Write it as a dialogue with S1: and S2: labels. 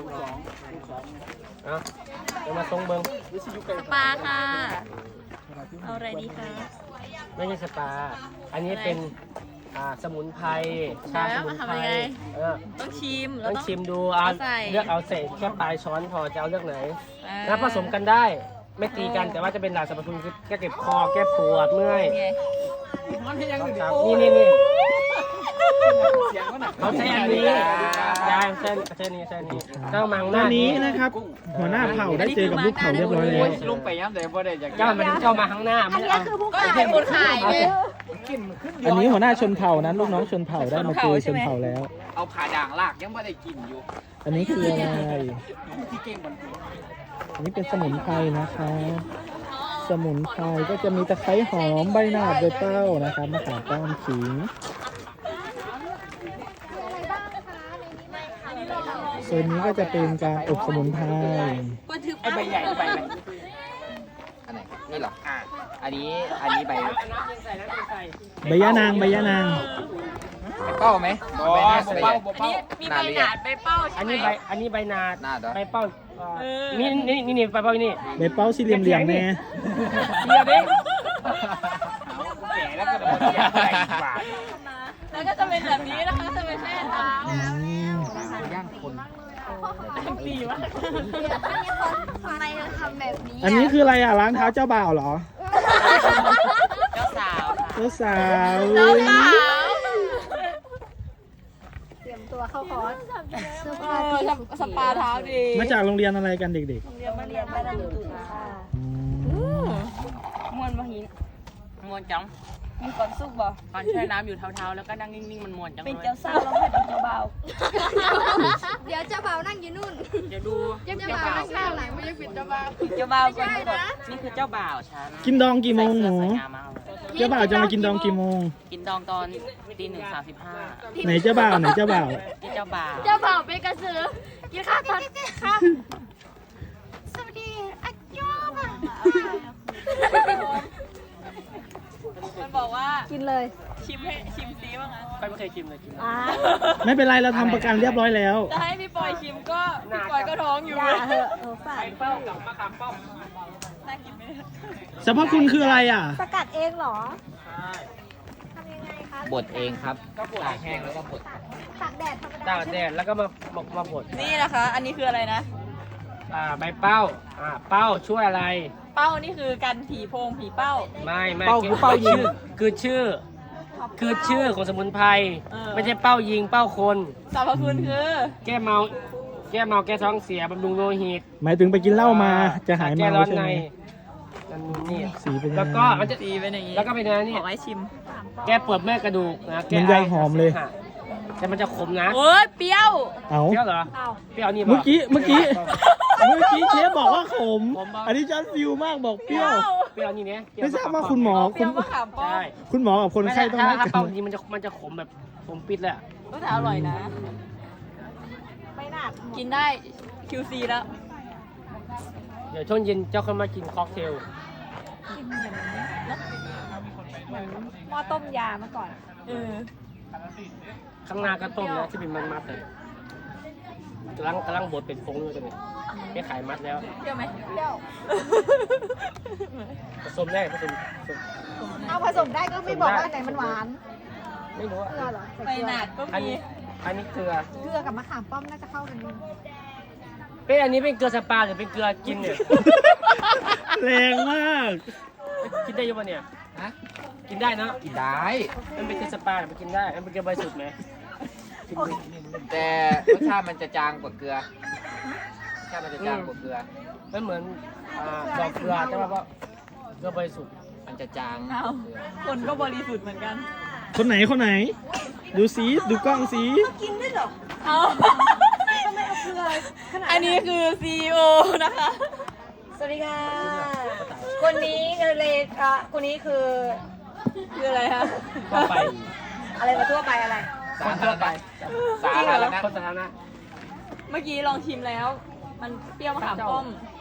S1: เดี๋ยวมาตรงเบิ้ง
S2: สปาค่ะเอาอะไรดีคะ
S1: ไม่ใช่สปาอันนี้เป็นสมุนไพรชาสมุนไพร
S2: ต้องชิม
S1: ต้องชิมดูเลือกเอาเศษแค่ปลายช้อนพอจะเอาเลือกไหนแล้วผสมกันได้ไม่ตีกันแต่ว่าจะเป็นหลักสรรพคุณคือแก้เจ็บคอแก้ปวดเมื่อยนี่เขาใช้อันนี้ยายเส้นนี้เจ้ามังหน้านี้นะครับหัวหน้าเผ่าได้เจอกับลูกเผ่าเรียบร้อยแล้วลงไปย้ำแต่พอได้จากเจ้ามันเจ้ามาข้างหน้าไม่เอา
S2: ก็ให้คนขายเลย
S3: อันนี้หัวหน้าชนเผ่านั้นลูกน้องชนเผ่าได้มาเจอชนเผ่าแล้ว
S4: เอาผ่าด่างลากยังไม่ได้กินอยู่
S3: อันนี้คืออะไรอันนี้เป็นสมุนไพรนะคะสมุนไพรก็จะมีตะไคร้หอมใบหนาดใบเต้านะครับมะขามป้อมขิงส่วนนี้ก็จะเป็นการอบสมุนไพร
S4: ไอใบใหญ่ใบไหมอันไหนนี่หรออันนี้ใบ
S3: ใบยะนางใบยะนาง
S4: เป้าไหม
S2: มีใบหนาดใบเป้าใช่ไหม
S1: อันนี้ใบนาดใบเป้านี่ใบเป้านี่
S3: ใบเป้าสี่เหลี่ยมๆแน่
S1: เดียวดิ
S2: แล้วก็จะเป็นแบบนี้นะคะจะเป็นแม่เท้า
S4: ย่างคน
S2: ดีวะ
S5: ทำไมเราทำแบบนี้
S3: อันนี้คืออะไรล้างเท้าเจ้าบ่าวเหรอ
S2: เจ้าสาว
S3: เจ้าสาว
S5: เตรียมตัวเข้าคอร์ส
S2: สปาเท้าดี
S3: มาจากโรงเรียนอะไรกันเด็ก
S5: โรงเรียนบ้านเราตุ่นค่ะ
S2: มวนมาหินมวนจังมีก่อนซุกบ่ก่อนแช่น้ำอยู่เท้าๆแล้วก็นั่งนิ่งๆมันมวนจัง
S5: เป็นเจ้าสาวแล้วให้เป็นเจ้าบ่าวเดี๋ยวเจ้าบ่าวนั่งอยู่นู่น
S2: เดี๋ยวดู
S5: เจ้าบ่าวนั่งข้างหลังไม่ใช่เป็นเจ้าบ่าว
S2: เจ้าบ่าวคนนี้นี่คือเจ้าบ่าวฉัน
S3: กินดองกี่โมงหนูเจ้าบ่าวจะมากินดองกี่โมง
S2: กินดองตอน1:35
S3: ไหนเจ้าบ่าวไหนเจ้าบ่าว
S2: ที่เจ้าบ่าว
S5: เป็นกระสือกินข้าวตอนค่ำสวัสดีอาจารย์
S2: มันบอกว่า
S5: กินเลย
S2: ชิมซีบ้างนะ
S1: ไม่เคยชิมเลย
S3: ไม่เป็นไรเราทำประกันเรียบร้อยแล้ว
S2: จะให้พี่ปอยชิมก็พี่ปอยก็ท้องอยู่
S5: ฝ่าย
S1: เป้ากับมะขามป้อม
S2: น่ากินไหม
S3: สรรพคุณคืออะไร
S5: สกัดเองเหรอทำยังไงคะ
S4: บดเองครับก็บดแห้งแล้วก็บด
S5: ตากแดดธรรมดา
S1: ตากแดดแล้วก็มาบด
S2: นี่นะคะอันนี้คืออะไรนะ
S1: ใบเป้าเป้าช่วยอะไร
S2: เป้านี่คือกันผีโพงผีเป้า
S1: ไม่เป้าคือเป้ายิงคือชื่อของสมุนไพรไม่ใช่เป้ายิงเป้าคน
S2: สรรพคุณคือ
S1: แก้เมาแก้ท้องเสียบำรุงโลหิต
S3: หมายถึงไปกินเหล้ามาจะหายเมาใช่ไหม
S1: นี่
S3: สีเป็น
S1: แล้วก็มันจะ
S2: สีเป็นอย่างนี้
S1: แล้วก็เป็นอะไรนี่
S2: ขอให้ชิม
S1: แก้ปวดแม่กระดูกนะ
S3: มันยางหอมเลย
S1: แต่มันจะขมนะ
S2: โอ้ยเปรี้ยว
S3: เป
S1: รี้ยวเหรอเปรี้ยวนี่
S3: เมื่อกี้เชฟบอกว่าขมอันนี้จันฟิวมากบอกเปรี้ยว
S1: นี่เนี่ย
S3: ไม่ทราบว่าคุณหมอคุณหมอกับคนไข้ต้องนัดกัน
S1: ถ้าเป้าจริงมันจะขมแบบขมปิดเลย
S2: ก็แต่อร่อยนะไม่หนักกินได้ QC แล้ว
S1: เดี๋ยวช่วงเย็นเจ้าคนมากินค็อกเทล
S5: เหมือนหม้อต้มยาเมื่อก่อน
S1: ข้างหน้าก็ต้มนะที่เป็นมันมัดเลยกำลังบดเป็นฟงด้วยกันเลยไม่ขายมัดแล้ว
S2: เปรี้ยวไหม
S5: เปรี้ยว
S1: ผสมได้
S5: เอาผสมได้ก็ไม่บอกว่าไหนมันหวาน
S1: ไม่รู้
S5: เกลือเหรอ
S2: ใส่หนาดก็มี
S1: อันนี้เกลือ
S5: กับมะขามป้อมน่าจะเข้ากันดี
S1: เป็นอันนี้เป็นเกลือสปาหรือเป็นเกลือกินเนี่ย
S3: แรงมาก
S1: กินได้ยังไงเนี่ยกินได้นะ
S4: กินได้
S1: มันเป็นเกลือสปามันกินได้มันเป็นเกลือบริสุทธิ์ไหม
S4: แต่รสชาติมันจะจางกว่าเกลือรสชาติมันจะจางกว่าเกลือ
S1: มันเหมือนดอกเกลือแต่ว่าเกลือบริสุทธิ์
S4: มันจะจาง
S2: คนก็บริสุทธิ์เหมือนกัน
S3: คนไหนดูสีดูกล้องสี
S5: กินได้หรอ
S2: อันนี้คือ CEO นะคะ
S5: สวัสดีค่ะคนนี้คนนี้คือ
S2: อะไรคะ
S1: ทั่วไป
S5: อะไรมาทั่วไปอะไร
S1: คนทั่วไป
S4: สาธารณะ
S1: คนสาธารณะ
S2: เมื่อกี้ลองชิมแล้วมันเปรี้ยวมะขามป้อม